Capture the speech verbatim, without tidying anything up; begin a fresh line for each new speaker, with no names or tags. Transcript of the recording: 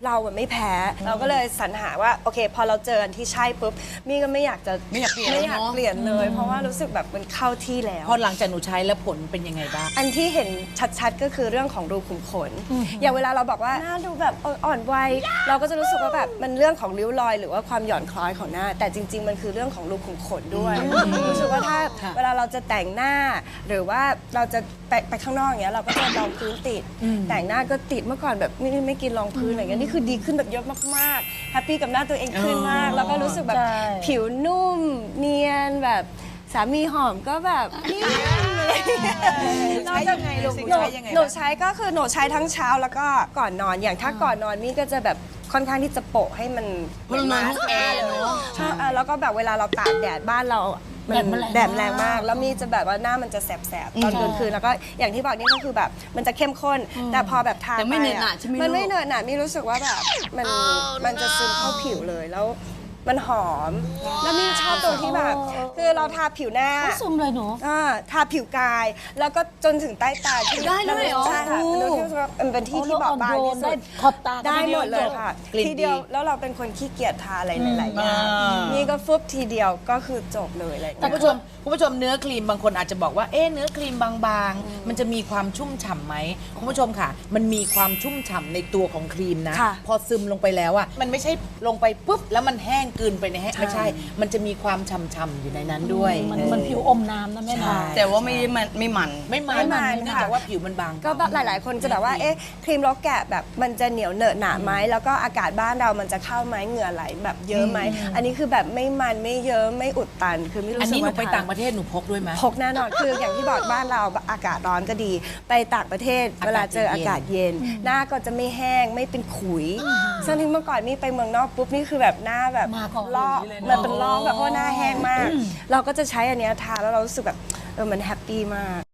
เราอะไม่แพ้เราก็เลยสรรหาว่าโอเคพอเราเจออันที่ใช่ปุ๊บมี่ก็ไม่อยากจะ
ไม่อยากเปลี่ยน
ไม่อยาก
เนอะ
เปลี่ยนเลย เพราะว่ารู้สึกแบบมันเข้าที่แล้ว
พอหลังจากหนูใช้แล้วผลเป็นยังไงบ้าง
อันที่เห็นชัดๆก็คือเรื่องของรูขุมขน อย่างเวลาเราบอกว่าหน้าดูแบบอ่อนวัยเราก็จะรู้สึกว่าแบบมันเรื่องของริ้วรอยหรือว่าความหย่อนคล้อยของหน้า แต่จริง ๆ มันคือเรื่องของรูขุมขนด้วยรู้สึกว่าถ้า
ค่ะ
เวลาเราจะแต่งหน้า หรือว่าเราจะไปไปข้างนอกอย่างเงี้ยเราก็จะรองพื้นติด แต่งหน้าก็ติดเมื่อก่อนแบบไม่ไม่กินรองพื้นอะไรเงี้ยนี่คือดีขึ้นแบบเยอะมากๆแฮปปี้กับหน้าตัวเองขึ้นมาก แล้วก็รู้สึกแบบ
ใช่
ผิวนุ่มเนียนแบบสามีหอมก็แบบนิ่มเลย
ใช้ยังไงลูก
หนู
ใช้ยังไง
หนูใช้ก็คือหนูใช้ทั้งเช้าแล้วก็ก่อนนอนอย่างถ้าก่อนนอนมี่ก็จะแบบค่อนข้างที่จะโปะให้มัน
เพราะเรานอนห้องแอร์เนอะ
ใช่อ่ะแล้วก็แบบเวลาเราตากแดดบ้านเรามัน
แดดมันแรง
แดดแรงมาก แล้วมี่จะแบบว่าหน้ามันจะแสบๆตอนกลางคืนแล้วก็อย่างที่บอกนี่ก็คือแบบมันจะเข้มข้น แต่พอแบบทา
แต่ไม่
ป
เหนอะหนะใช่ไหม
มันไม่
ลูก
เหนอะหนะมี่รู้สึกว่าแบบมันมันจะซึมเข้าผิวเลยแล้วมันหอม แล้วมี่ชอบตรงที่แบบ คือเราทาผิวหน้า
ซุ่มเลยหนู
อ่าทาผิวกาย แล้วก็จนถึงใต้ตาที่
ได้ด้วยเหรอ
ใช่ค่ะเป็นที่รู้สึกว่ามันเป็นที่ที่บอบบางที่สุด
ขอบตา
ได้หมดเลยค่ะ
กลิ่นดี
ทีเดียวแล้วเราเป็นคนขี้เกียจทาอะไรหลายๆอย่าง
อ่านี่
นี่ก็ฟุบทีเดียวก็คือจบเลยอะไรอย่าง
คุ
เงี้
ณ
ย
ผู้ชมคุณผู้ชมเนื้อครีมบางคนอาจจะบอกว่าเอ๊ะเนื้อครีมบางๆ มันจะมีความชุ่มฉ่ำไหมคุณผู้ชมค่ะ มันมีความชุ่มฉ่ำในตัวของครีมนะ
ค่ะ
พอซึมลงไปแล้วอ่ะมันไม่ใช่ลงไปปุ๊บแล้วมันแห้งกลืนไปในแห้งไม่ใช่ มันจะมีความฉ่ำๆอยู่ในนั้นด้วย
มัน
เออ
มันผิวอมน้ำนะแม่
ใช่
นะ
แต่ว่าไม่มันไม่มัน
ไม่มัน
ไม่มัน
เนื่อง
ค่ะ
จากว่าผิวมันบาง
ก็แบบหลาย ๆ คนจะแบบว่า เอ๊ะ ครีมล็อกแกะแบบมันจะเหนียวเหนอะหนะไหม แล้วก็อากาศบ้านเรามันจะเข้าไหมเหงื่อไหลแบบเยอะไหม อันนี้คือแบบไม่มันไม่เยอะไม่อุดตัน คือไม่รู้
อัน
สึก
นี้หนู
ว่า
ไป
ทา
ต่างประเทศหนูพกด้วยไหม
พกแน่นอน คืออย่างที่บอกบ้านเราอากาศร้อนก็ดี ไปต่างประเทศ
อากาศ
เวลาเจอ
เย็น
อากาศเย็น หน้าก็จะไม่แห้งไม่เป็นขุยซึ่งที่เมื่อก่อนนี่ไปเมืองนอกปุ๊บนี่คือแบบหน้าแบบ
มาก่อน
ลอกมันเป็นลอกแบบเพราะว่าหน้าแห้งมาก เราก็จะใช้อันเนี้ยทาแล้วเรารู้สึกแบบเออมันแฮปปี้มาก